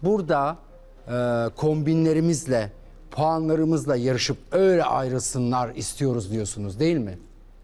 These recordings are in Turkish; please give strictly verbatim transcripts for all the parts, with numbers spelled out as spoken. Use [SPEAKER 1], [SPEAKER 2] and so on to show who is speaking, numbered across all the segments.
[SPEAKER 1] burada e, kombinlerimizle, puanlarımızla yarışıp öyle ayrılsınlar istiyoruz diyorsunuz değil mi?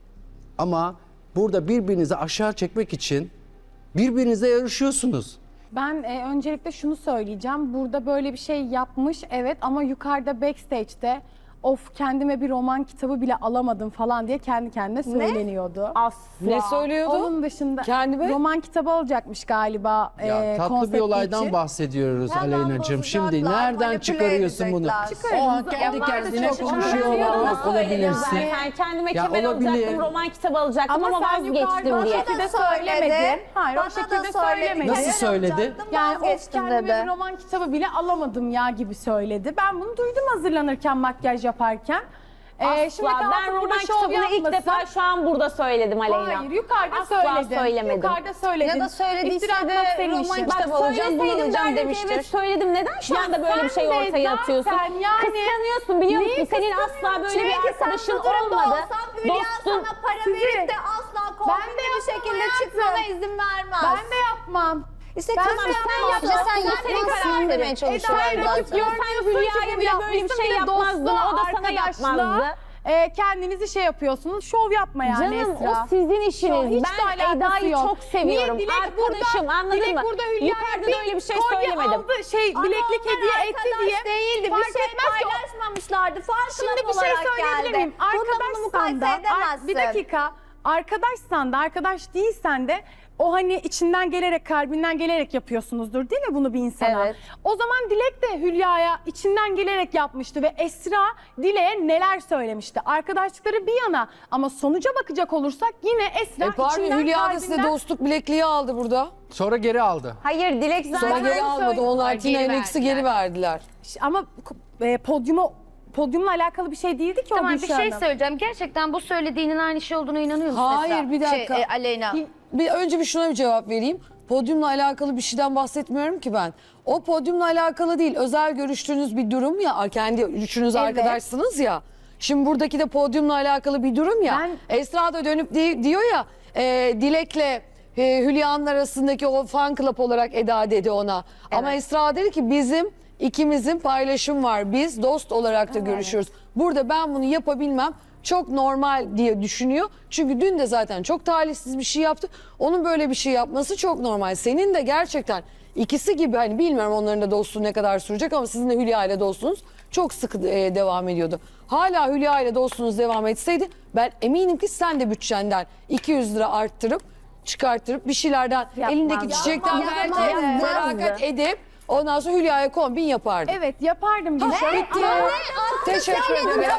[SPEAKER 1] Ama burada birbirinizi aşağı çekmek için birbirinize yarışıyorsunuz.
[SPEAKER 2] Ben e, öncelikle şunu söyleyeceğim. Burada böyle bir şey yapmış evet ama yukarıda backstage'de of kendime bir roman kitabı bile alamadım falan diye kendi kendine söyleniyordu.
[SPEAKER 3] Asla.
[SPEAKER 4] Ne söylüyordu?
[SPEAKER 2] Onun dışında
[SPEAKER 4] Kendime?
[SPEAKER 2] roman kitabı alacakmış galiba
[SPEAKER 1] Ya
[SPEAKER 2] e,
[SPEAKER 1] tatlı bir
[SPEAKER 2] konsepti
[SPEAKER 1] olaydan
[SPEAKER 2] için.
[SPEAKER 1] bahsediyoruz
[SPEAKER 5] Hemen
[SPEAKER 1] Aleyna'cığım. Şimdi
[SPEAKER 5] bozacaklar,
[SPEAKER 1] nereden
[SPEAKER 5] manipüle
[SPEAKER 1] çıkarıyorsun bunu?
[SPEAKER 5] edecekler.
[SPEAKER 1] O an
[SPEAKER 2] Çıkarınız.
[SPEAKER 1] kendi
[SPEAKER 2] Ya vardı
[SPEAKER 1] kendine
[SPEAKER 2] çok
[SPEAKER 1] konuşuyorlar.
[SPEAKER 2] konuşuyorlar.
[SPEAKER 1] Bak, olabilirsin.
[SPEAKER 3] Zaten kendime
[SPEAKER 1] Ya
[SPEAKER 3] kemer
[SPEAKER 1] olabilir.
[SPEAKER 3] alacaktım, roman kitabı alacaktım ama,
[SPEAKER 2] Ama sen
[SPEAKER 3] vazgeçtim
[SPEAKER 2] yukarıda
[SPEAKER 3] diye.
[SPEAKER 2] o şekilde
[SPEAKER 5] Bana da
[SPEAKER 2] söylemedin.
[SPEAKER 5] söyledi.
[SPEAKER 2] Hayır
[SPEAKER 5] Bana
[SPEAKER 2] o
[SPEAKER 5] da
[SPEAKER 2] şekilde
[SPEAKER 5] söyledi.
[SPEAKER 2] söylemedin.
[SPEAKER 1] Nasıl söyledi?
[SPEAKER 5] Alacaktım,
[SPEAKER 2] Yani of
[SPEAKER 5] vazgeçtim
[SPEAKER 2] kendime
[SPEAKER 5] dedi.
[SPEAKER 2] bir roman kitabı bile alamadım ya gibi söyledi. Ben bunu duydum hazırlanırken, makyaj yaparken. Ee,
[SPEAKER 3] Asla.
[SPEAKER 2] şimdi kalkıp
[SPEAKER 3] Ben
[SPEAKER 2] burada
[SPEAKER 3] roman
[SPEAKER 2] şov
[SPEAKER 3] kitabını ilk
[SPEAKER 2] yapmasam-
[SPEAKER 3] defa şu an burada söyledim Aleyna.
[SPEAKER 2] Hayır yukarıda
[SPEAKER 3] Asla
[SPEAKER 2] söyledim.
[SPEAKER 3] söylemedim.
[SPEAKER 2] Yukarıda söyledim.
[SPEAKER 5] Ya da söylediyse
[SPEAKER 2] İftira atmak
[SPEAKER 5] de
[SPEAKER 2] senin
[SPEAKER 5] roman
[SPEAKER 2] işin.
[SPEAKER 5] kitabı
[SPEAKER 3] Bak
[SPEAKER 5] alacağım, bunu
[SPEAKER 3] söyleseydim
[SPEAKER 5] alacağım
[SPEAKER 3] derdim ki
[SPEAKER 5] demiştir.
[SPEAKER 3] evet söyledim. Neden şu
[SPEAKER 2] Ya
[SPEAKER 3] anda böyle bir
[SPEAKER 2] sen
[SPEAKER 3] şey
[SPEAKER 2] de
[SPEAKER 3] ortaya atıyorsun?
[SPEAKER 2] zaten yani-
[SPEAKER 3] Kıskanıyorsun biliyor
[SPEAKER 2] Neyi
[SPEAKER 3] musun? Senin asla böyle bir
[SPEAKER 5] Çünkü
[SPEAKER 3] arkadaşın
[SPEAKER 5] sen bu durumda
[SPEAKER 3] olmadı.
[SPEAKER 5] olsan Hülya
[SPEAKER 3] Dostun.
[SPEAKER 5] sana para
[SPEAKER 2] Sizi-
[SPEAKER 5] verip de asla
[SPEAKER 2] Ben de
[SPEAKER 5] kombinli bir
[SPEAKER 2] yapmam
[SPEAKER 5] şekilde
[SPEAKER 2] hayatım.
[SPEAKER 5] çıkmana izin vermez.
[SPEAKER 2] Ben de yapmam.
[SPEAKER 5] İşte
[SPEAKER 2] Ben
[SPEAKER 5] kızım
[SPEAKER 2] de
[SPEAKER 5] sen
[SPEAKER 2] yapmam.
[SPEAKER 5] yapma.
[SPEAKER 2] Sen
[SPEAKER 5] Sen
[SPEAKER 2] senin
[SPEAKER 5] yapmazsın
[SPEAKER 2] kararın.
[SPEAKER 5] demeye
[SPEAKER 2] Eda
[SPEAKER 5] çalışıyorlar
[SPEAKER 2] rakip
[SPEAKER 5] zaten.
[SPEAKER 2] görmüyorsun
[SPEAKER 3] Hülya'ya
[SPEAKER 2] ki
[SPEAKER 3] bile
[SPEAKER 2] bu
[SPEAKER 3] böyle bir
[SPEAKER 2] yapmışsın,
[SPEAKER 3] şey
[SPEAKER 2] bir de
[SPEAKER 3] yapmazdın.
[SPEAKER 2] dostluğa,
[SPEAKER 3] O da sana
[SPEAKER 2] arkadaşlığa,
[SPEAKER 3] yapmazdı.
[SPEAKER 2] e, kendinizi şey yapıyorsunuz. Şov yapma yani
[SPEAKER 3] Canım
[SPEAKER 2] Esra.
[SPEAKER 3] o sizin işiniz.
[SPEAKER 2] Hiç de
[SPEAKER 3] Ben
[SPEAKER 2] alakası
[SPEAKER 3] Eda'yı
[SPEAKER 2] yok.
[SPEAKER 3] çok seviyorum.
[SPEAKER 2] Niye Dilek
[SPEAKER 3] Arkadaşım
[SPEAKER 2] burada,
[SPEAKER 3] anladın
[SPEAKER 2] Dilek
[SPEAKER 3] mı?
[SPEAKER 2] burada Hülya'ya
[SPEAKER 3] Yukarıda da öyle bir şey
[SPEAKER 2] kolye
[SPEAKER 3] söylemedim.
[SPEAKER 2] Aldı, şey bileklik
[SPEAKER 5] Ama
[SPEAKER 2] hediye
[SPEAKER 5] onlar
[SPEAKER 2] etti
[SPEAKER 5] arkadaş
[SPEAKER 2] diye.
[SPEAKER 5] değildi. Bir
[SPEAKER 2] Fark
[SPEAKER 5] şey
[SPEAKER 2] etmez ki o-
[SPEAKER 5] paylaşmamışlardı. Farkına
[SPEAKER 2] Şimdi bir şey
[SPEAKER 5] olarak
[SPEAKER 2] söyleyebilir
[SPEAKER 5] geldi.
[SPEAKER 2] miyim?
[SPEAKER 5] Bununla bunu
[SPEAKER 2] Arkadaşsan
[SPEAKER 5] mukayese
[SPEAKER 2] da, ar-
[SPEAKER 5] edemezsin.
[SPEAKER 2] bir dakika. Arkadaşsan da, arkadaş değilsen de o hani içinden gelerek, kalbinden gelerek yapıyorsunuzdur değil mi bunu bir insana?
[SPEAKER 5] Evet.
[SPEAKER 2] O zaman Dilek de Hülya'ya içinden gelerek yapmıştı ve Esra Dilek'e neler söylemişti? Arkadaşlıkları bir yana ama sonuca bakacak olursak yine Esra
[SPEAKER 4] E pardon
[SPEAKER 2] içinden
[SPEAKER 4] Hülya da size
[SPEAKER 2] kalbinden...
[SPEAKER 4] dostluk bilekliği aldı burada.
[SPEAKER 1] Sonra geri aldı.
[SPEAKER 3] Hayır Dilek
[SPEAKER 4] Sonra
[SPEAKER 3] zaten
[SPEAKER 4] geri almadı.
[SPEAKER 2] söyle-
[SPEAKER 4] Onlar
[SPEAKER 6] Geri
[SPEAKER 4] Tina Enex'i
[SPEAKER 6] verdiler.
[SPEAKER 4] geri verdiler.
[SPEAKER 2] Ama e, podyuma, podyumla alakalı bir şey değildi ki o
[SPEAKER 6] Tamam bir
[SPEAKER 2] Gülşah
[SPEAKER 6] şey
[SPEAKER 2] Hanım.
[SPEAKER 6] söyleyeceğim. Gerçekten bu söylediğinin aynı şey olduğuna inanıyor musun
[SPEAKER 4] Hayır,
[SPEAKER 6] Esra?
[SPEAKER 4] bir dakika.
[SPEAKER 6] Şey, e, Aleyna.
[SPEAKER 4] Bir, önce bir şuna bir cevap vereyim. Podyumla alakalı bir şeyden bahsetmiyorum ki ben. O podyumla alakalı değil. Özel görüştüğünüz bir durum ya. Kendi üçünüz
[SPEAKER 2] Evet.
[SPEAKER 4] arkadaşsınız ya. Şimdi buradaki de podyumla alakalı bir durum ya.
[SPEAKER 2] Ben-
[SPEAKER 4] Esra da dönüp di- diyor ya e, Dilek'le e, Hülya'nın arasındaki o fan club olarak Eda dedi ona. Ama Esra dedi ki bizim ikimizin paylaşım var. Biz dost olarak da görüşüyoruz. Burada ben bunu yapabilmem çok normal diye düşünüyor. Çünkü dün de zaten çok talihsiz bir şey yaptı. Onun böyle bir şey yapması çok normal. Senin de gerçekten ikisi gibi hani bilmiyorum onların da dostluğu ne kadar sürecek ama sizin de Hülya ile dostluğunuz çok sıkı e, devam ediyordu. Hala Hülya ile dostluğunuz devam etseydi ben eminim ki sen de bütçenden iki yüz lira arttırıp çıkarttırıp bir şeylerden elindeki çiçekten
[SPEAKER 5] Yapmaz,
[SPEAKER 4] belki
[SPEAKER 5] yapmaz.
[SPEAKER 4] feragat edip ondan sonra Hülya'ya kombin yapardın.
[SPEAKER 2] Evet yapardım Gülşah.
[SPEAKER 4] Bitti. Teşekkür ederim.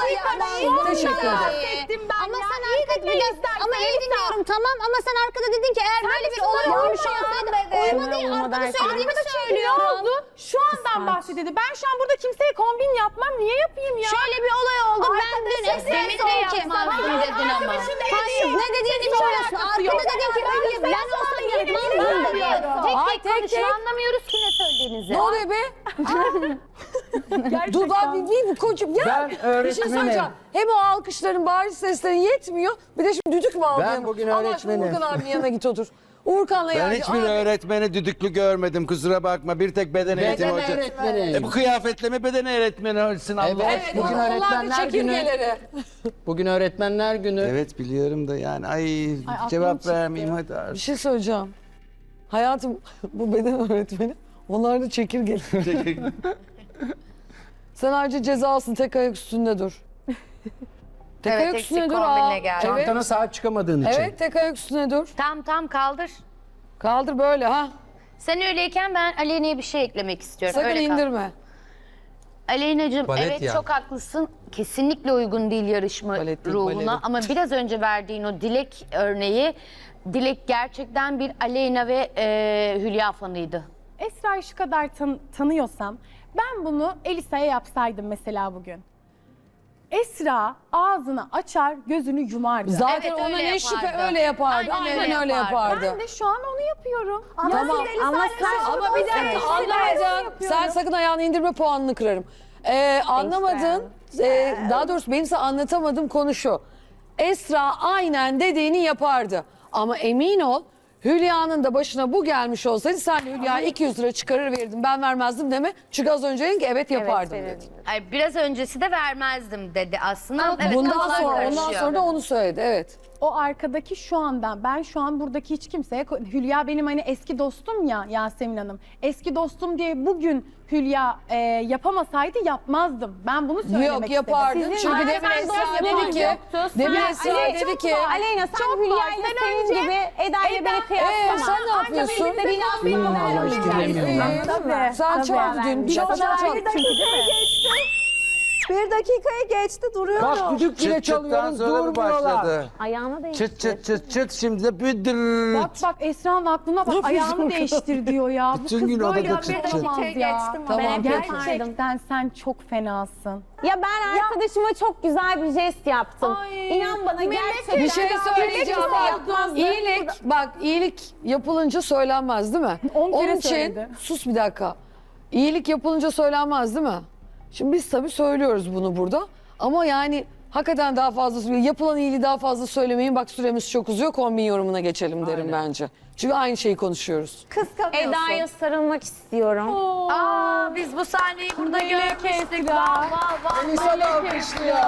[SPEAKER 4] Teşekkür ederim.
[SPEAKER 2] Bahsettim ben
[SPEAKER 5] Ama
[SPEAKER 2] ya.
[SPEAKER 5] sen
[SPEAKER 2] İyi
[SPEAKER 5] arkada
[SPEAKER 2] dinle
[SPEAKER 5] bir
[SPEAKER 2] istersen
[SPEAKER 5] ama iyi
[SPEAKER 2] Esra.
[SPEAKER 5] dinliyorum tamam ama sen arkada dedin ki eğer böyle bir olay olmuş olsaydı uyuma değil arkada söylediğimi
[SPEAKER 2] Ne
[SPEAKER 5] söylüyorum.
[SPEAKER 2] oldu? Şu andan bahsediyordu. Ben şu an burada kimseye kombin yapmam. Niye yapayım ya?
[SPEAKER 5] Şöyle bir olay oldu. Ben dün
[SPEAKER 6] Demin de yapmazdın dedin ama.
[SPEAKER 5] Hayır ne dediğini bilmiyorsun. Arkada dedin ki öyle ben olsam yapmazdım diyorum.
[SPEAKER 4] Ay tek tek.
[SPEAKER 6] Anlamıyoruz ki ne söylediğinizi.
[SPEAKER 4] Ne oluyor be? Dudağı bir, bir, bir koca... Ya
[SPEAKER 1] Ben
[SPEAKER 4] bir şey
[SPEAKER 1] öğretmenim.
[SPEAKER 4] söyleyeceğim. Hem o alkışların, bağırış seslerin yetmiyor. Bir de şimdi düdük mü aldın?
[SPEAKER 1] bugün
[SPEAKER 4] Allah aşkına
[SPEAKER 1] öğretmenim.
[SPEAKER 4] Uğurkan abinin yanına git otur. Uğurkan'la
[SPEAKER 7] Ben
[SPEAKER 4] yani.
[SPEAKER 7] hiçbir
[SPEAKER 4] Abi,
[SPEAKER 7] öğretmeni düdüklü görmedim kusura bakma. Bir tek beden eğitimi
[SPEAKER 1] Beden
[SPEAKER 7] hoca.
[SPEAKER 1] öğretmeni.
[SPEAKER 7] E bu kıyafetle mi beden öğretmeni olsun Allah
[SPEAKER 1] Evet.
[SPEAKER 4] Evet,
[SPEAKER 1] Bugün
[SPEAKER 4] onlar da
[SPEAKER 1] öğretmenler günü.
[SPEAKER 4] çekirgeleri.
[SPEAKER 1] Bugün öğretmenler günü.
[SPEAKER 7] Evet biliyorum da yani ay,
[SPEAKER 2] aklım
[SPEAKER 7] cevap
[SPEAKER 2] çıktı.
[SPEAKER 7] vermeyeyim hadi
[SPEAKER 4] Bir
[SPEAKER 7] artık.
[SPEAKER 4] şey söyleyeceğim. Hayatım bu beden öğretmeni. Onlar da çekirgeleri. Sen ayrıca cezalısın tek ayak üstünde dur. Tek
[SPEAKER 6] Evet,
[SPEAKER 4] ayak
[SPEAKER 6] eksik
[SPEAKER 4] üstünde dur.
[SPEAKER 6] kombinle
[SPEAKER 4] Aa.
[SPEAKER 6] geldi.
[SPEAKER 4] Evet.
[SPEAKER 1] Çantana sahip çıkamadığın için.
[SPEAKER 4] Evet tek ayak üstüne dur.
[SPEAKER 6] Tam tam kaldır.
[SPEAKER 4] Kaldır böyle ha.
[SPEAKER 6] Sen öyleyken ben Aleyna'ya bir şey eklemek istiyorum.
[SPEAKER 4] Sakın
[SPEAKER 6] Öyle kal.
[SPEAKER 4] indirme.
[SPEAKER 6] Aleyna'cığım
[SPEAKER 1] Balet
[SPEAKER 6] evet
[SPEAKER 1] ya.
[SPEAKER 6] çok haklısın. Kesinlikle uygun değil yarışma
[SPEAKER 4] Balet değil,
[SPEAKER 6] ruhuna.
[SPEAKER 4] baleri.
[SPEAKER 6] Ama biraz önce verdiğin o Dilek örneği, Dilek gerçekten bir Aleyna ve e, Hülya fanıydı.
[SPEAKER 2] Esra'yı şu kadar tan- tanıyorsam ben bunu Elisa'ya yapsaydım mesela bugün. Esra ağzını açar, gözünü yumardı.
[SPEAKER 4] Zaten
[SPEAKER 6] Evet,
[SPEAKER 4] ona
[SPEAKER 6] öyle
[SPEAKER 4] ne şüphe
[SPEAKER 6] yapardı.
[SPEAKER 4] öyle yapardı.
[SPEAKER 6] Aynen
[SPEAKER 4] Aynen,
[SPEAKER 6] öyle
[SPEAKER 4] öyle
[SPEAKER 6] yapardı.
[SPEAKER 4] yapardı.
[SPEAKER 2] Ben de şu an onu yapıyorum.
[SPEAKER 5] Ama
[SPEAKER 4] Tamam,
[SPEAKER 5] siz Elisa'yla
[SPEAKER 4] ama sen
[SPEAKER 5] şey
[SPEAKER 4] ama bir dakika
[SPEAKER 5] yapıyorsunuz.
[SPEAKER 4] anlamadın. Sen sakın ayağını indirme puanını kırarım. Ee, anlamadın. Ee, daha doğrusu benim size anlatamadığım konu şu. Esra aynen dediğini yapardı. Ama emin ol Hülya'nın da başına bu gelmiş olsaydı sen de Hülya iki yüz lira çıkarır verirdin. Ben vermezdim deme. Çünkü az önce dedin ki evet yapardım dedi.
[SPEAKER 6] Ay, biraz öncesi de vermezdim dedi aslında. Evet,
[SPEAKER 4] Bundan
[SPEAKER 6] kafalar
[SPEAKER 4] sonra, ondan
[SPEAKER 6] karışıyor.
[SPEAKER 4] sonra da onu söyledi evet.
[SPEAKER 2] O arkadaki şu andan ben şu an buradaki hiç kimseye Hülya benim hani eski dostum ya Yasemin Hanım. Eski dostum diye bugün Hülya e, yapamasaydı yapmazdım. Ben bunu söylemek
[SPEAKER 4] Yok
[SPEAKER 2] istedim.
[SPEAKER 4] yapardın.
[SPEAKER 3] Sizin
[SPEAKER 4] Çünkü
[SPEAKER 3] zaten
[SPEAKER 4] demin Esra
[SPEAKER 3] dostluğunuz
[SPEAKER 4] dedi ki,
[SPEAKER 3] yoktu.
[SPEAKER 4] demin
[SPEAKER 3] Sen-
[SPEAKER 4] Esra
[SPEAKER 3] Ali,
[SPEAKER 4] dedi
[SPEAKER 3] çok
[SPEAKER 4] ki,
[SPEAKER 3] var. Aleyna sen
[SPEAKER 2] Çok
[SPEAKER 3] Hülya
[SPEAKER 2] var.
[SPEAKER 3] ile
[SPEAKER 2] Sen
[SPEAKER 3] senin
[SPEAKER 2] önce-
[SPEAKER 3] gibi Eda ile beni
[SPEAKER 2] Eda-
[SPEAKER 3] kıyaslama.
[SPEAKER 4] Ee, sen ne yapıyorsun?
[SPEAKER 1] Allah hiç dinlemiyorum.
[SPEAKER 2] Tabii.
[SPEAKER 4] sen çal dün çal çal çal.
[SPEAKER 8] Bir dakikayı geçti duruyorum.
[SPEAKER 1] Bak düdük bile
[SPEAKER 7] Çıt çıttan
[SPEAKER 1] çalıyoruz
[SPEAKER 7] sonra mı
[SPEAKER 1] durmuyorlar.
[SPEAKER 7] başladı?
[SPEAKER 3] Ayağına değişti.
[SPEAKER 7] Çıt çıt çıt çıt şimdi de büdür.
[SPEAKER 2] Bak bak Esra'nın aklına bak ayağını değiştir diyor ya. Bu
[SPEAKER 7] Bütün
[SPEAKER 2] kız
[SPEAKER 7] gün
[SPEAKER 2] böyle
[SPEAKER 7] odada çıt çıt.
[SPEAKER 2] yapamaz ya.
[SPEAKER 8] geçtim
[SPEAKER 4] Tamam,
[SPEAKER 8] ama.
[SPEAKER 4] peki.
[SPEAKER 2] Gerçekten sen çok fenasın.
[SPEAKER 3] Ya ben arkadaşıma çok güzel bir jest yaptım.
[SPEAKER 2] Ay,
[SPEAKER 3] İnan bana gerçekten.
[SPEAKER 4] Bir şey söyleyeceğim bak.
[SPEAKER 3] yapmazdı.
[SPEAKER 4] İyilik, bak iyilik yapılınca söylenmez değil mi?
[SPEAKER 2] On kere
[SPEAKER 4] Onun için,
[SPEAKER 2] söyledi.
[SPEAKER 4] sus bir dakika. İyilik yapılınca söylenmez değil mi? Şimdi biz tabii söylüyoruz bunu burada. Ama yani hakikaten daha fazla, yapılan iyiliği daha fazla söylemeyin. Bak süremiz çok uzuyor, kombin yorumuna geçelim derim bence. Çünkü aynı şeyi konuşuyoruz.
[SPEAKER 8] Kıskanıyorsun.
[SPEAKER 3] Eda'ya sarılmak istiyorum.
[SPEAKER 6] Aa, biz bu sahneyi burada görmüştük. Vah vah vah.
[SPEAKER 4] Melisa da alkışlıyor.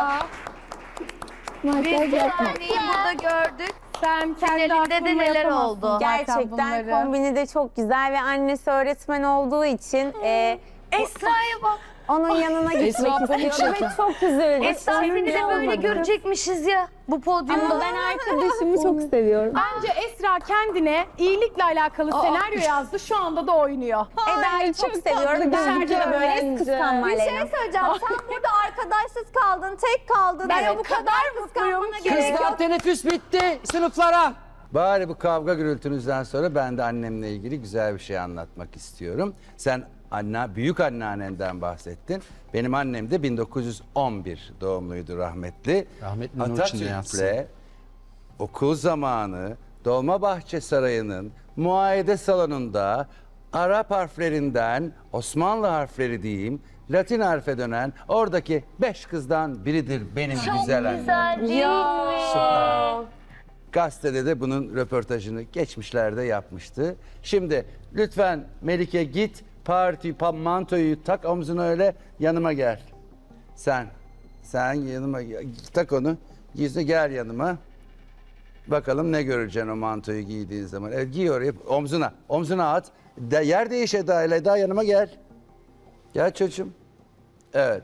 [SPEAKER 6] Biz bu sahneyi burada gördük.
[SPEAKER 2] Sen kendi
[SPEAKER 6] Finalinde de
[SPEAKER 2] aklınla
[SPEAKER 6] neler
[SPEAKER 2] yapamazsın
[SPEAKER 6] oldu?
[SPEAKER 2] zaten
[SPEAKER 3] Gerçekten
[SPEAKER 2] bunları.
[SPEAKER 3] kombini de çok güzel ve annesi öğretmen olduğu için e,
[SPEAKER 6] Esra'ya bak.
[SPEAKER 3] onun yanına
[SPEAKER 4] Esra
[SPEAKER 3] gitmek
[SPEAKER 4] panik
[SPEAKER 3] istiyorum ve
[SPEAKER 4] çekiyor.
[SPEAKER 3] çok üzüldüm.
[SPEAKER 6] Esra seni de böyle görecekmişiz ya bu podyumda.
[SPEAKER 3] Ama ben arkadaşımı çok seviyorum.
[SPEAKER 2] Bence Esra kendine iyilikle alakalı senaryo yazdı. Şu anda da oynuyor.
[SPEAKER 3] Eda'yı çok seviyorum. Dışarıda da böyle kıskanma
[SPEAKER 8] Bir
[SPEAKER 3] Aleyna.
[SPEAKER 8] şey söyleyeceğim. Sen burada arkadaşsız kaldın, tek kaldın.
[SPEAKER 2] Ben
[SPEAKER 8] Yani
[SPEAKER 2] o
[SPEAKER 8] bu
[SPEAKER 2] kadar
[SPEAKER 8] kadar
[SPEAKER 2] mutluyum
[SPEAKER 8] kıskanmana
[SPEAKER 2] ki.
[SPEAKER 8] gerek
[SPEAKER 1] Kızlar
[SPEAKER 8] yok.
[SPEAKER 1] teneffüs bitti sınıflara.
[SPEAKER 7] Bari bu kavga gürültünüzden sonra ben de annemle ilgili güzel bir şey anlatmak istiyorum. Sen anne, büyük anneannenden bahsettin. Benim annem de bin dokuz yüz on bir doğumluydu rahmetli.
[SPEAKER 1] Rahmetli nur içinde yatsın.
[SPEAKER 7] Atatürk'le okul zamanı Dolmabahçe Sarayı'nın muayede salonunda Arap harflerinden Osmanlı harfleri diyeyim, Latin harfe dönen oradaki beş kızdan biridir benim güzel annem.
[SPEAKER 6] Güzel değil mi?
[SPEAKER 7] Gazetede de bunun röportajını geçmişlerde yapmıştı. Şimdi lütfen Melike git parti pa- mantoyu tak omzuna öyle yanıma gel. Sen, sen yanıma gel. Tak onu. Gizli gel yanıma. Bakalım ne göreceksin o mantoyu giydiğin zaman. Evet, giy oraya omzuna. Omzuna at. De, yer değiş Eda ile. Eda yanıma gel. Gel çocuğum. Evet.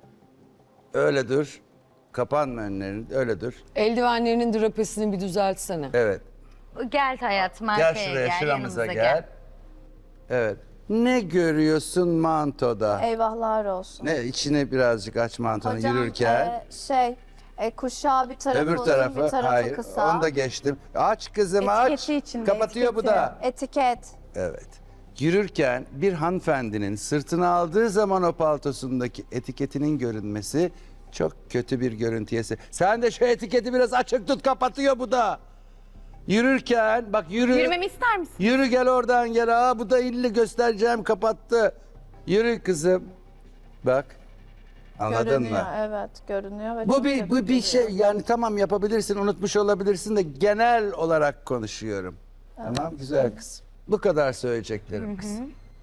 [SPEAKER 7] Öyle dur. Kapanma önlerini. Öyle dur.
[SPEAKER 4] Eldivenlerinin drapesini bir düzeltsene.
[SPEAKER 7] Evet.
[SPEAKER 6] Gel hayatım
[SPEAKER 7] Gel
[SPEAKER 6] arkaya
[SPEAKER 7] şuraya,
[SPEAKER 6] gel,
[SPEAKER 7] şuramıza
[SPEAKER 6] yanımıza
[SPEAKER 7] gel. Evet. Ne görüyorsun mantoda?
[SPEAKER 8] Eyvahlar olsun.
[SPEAKER 7] Ne içine birazcık aç mantonu
[SPEAKER 8] Hocam,
[SPEAKER 7] yürürken.
[SPEAKER 8] e, şey, e, kuşağı bir tarafı
[SPEAKER 7] öbür
[SPEAKER 8] uzun,
[SPEAKER 7] tarafı
[SPEAKER 8] bir tarafı
[SPEAKER 7] hayır.
[SPEAKER 8] kısa.
[SPEAKER 7] Onu da geçtim. Aç kızım aç.
[SPEAKER 2] Etiketi içinde,
[SPEAKER 7] Kapatıyor bu
[SPEAKER 2] etiketi.
[SPEAKER 7] da.
[SPEAKER 8] Etiket.
[SPEAKER 7] Evet. Yürürken bir hanımefendinin sırtına aldığı zaman o paltosundaki etiketinin görünmesi çok kötü bir görüntüye se- Sen de şu etiketi biraz açık tut, kapatıyor bu da. Yürürken bak yürü.
[SPEAKER 2] Yürümemi ister misin?
[SPEAKER 7] Yürü gel oradan gel. Aa bu da illi göstereceğim, kapattı. Yürü kızım. Bak. Anladın
[SPEAKER 8] Görünüyor,
[SPEAKER 7] mı?
[SPEAKER 8] evet görünüyor. Ve
[SPEAKER 7] Bu
[SPEAKER 8] çok
[SPEAKER 7] bir
[SPEAKER 8] kötü
[SPEAKER 7] bu bir
[SPEAKER 8] duruyor.
[SPEAKER 7] şey yani tamam yapabilirsin, unutmuş olabilirsin de genel olarak konuşuyorum. Tamam güzel kız. Bu kadar söyleyeceklerim kız.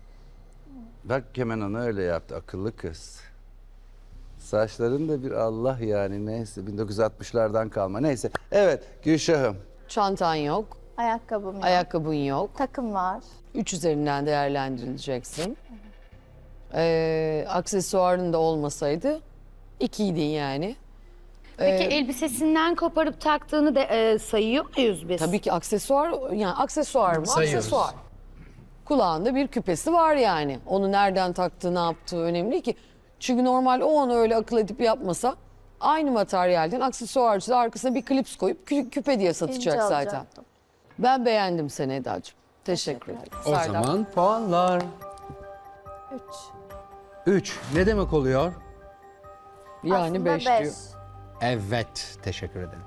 [SPEAKER 7] Bak hemen onu öyle yaptı, akıllı kız. Saçların da bir Allah yani neyse bin dokuz yüz altmışlardan kalma neyse. Evet Gülşah'ım.
[SPEAKER 4] Çantan yok,
[SPEAKER 8] Ayakkabım yok.
[SPEAKER 4] ayakkabın yok.
[SPEAKER 8] Takım var.
[SPEAKER 4] Üç üzerinden değerlendirileceksin. Ee, aksesuarın da olmasaydı ikiydin yani.
[SPEAKER 6] Peki elbisesinden koparıp taktığını da e, sayıyor muyuz biz?
[SPEAKER 4] Tabii ki aksesuar, yani aksesuar mı?
[SPEAKER 1] Sayıyoruz.
[SPEAKER 4] Aksesuar. Kulağında bir küpesi var yani. Onu nereden taktığı, ne yaptığı önemli ki. Çünkü normal o onu öyle akıl edip yapmasa aynı materyalden aksesuarcı da arkasına bir klips koyup kü- küpe diye satacak
[SPEAKER 8] İnce
[SPEAKER 4] zaten.
[SPEAKER 8] alacaktım.
[SPEAKER 4] Ben beğendim seni Eda'cığım. Teşekkür ederim.
[SPEAKER 1] O
[SPEAKER 4] Serdar.
[SPEAKER 1] zaman puanlar.
[SPEAKER 8] Üç.
[SPEAKER 1] üç. Ne demek oluyor?
[SPEAKER 4] Yani
[SPEAKER 8] Aslında
[SPEAKER 4] beş
[SPEAKER 8] beş.
[SPEAKER 4] diyor.
[SPEAKER 1] Evet. Teşekkür ederim.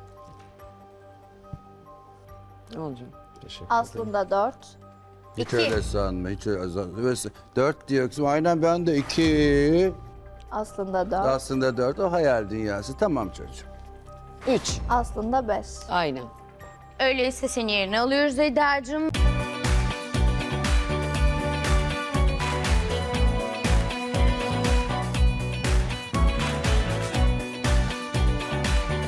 [SPEAKER 4] Ne olacak?
[SPEAKER 1] Teşekkür
[SPEAKER 8] Aslında dört.
[SPEAKER 7] Hiç öyle sanma, hiç öyle sanma. Dört diyor kızım, aynen ben de iki.
[SPEAKER 8] Aslında dört.
[SPEAKER 7] Aslında dört, o hayal dünyası. Tamam çocuğum.
[SPEAKER 4] Üç.
[SPEAKER 8] Aslında beş.
[SPEAKER 4] Aynen.
[SPEAKER 6] Öyleyse seni yerine alıyoruz Eda'cığım.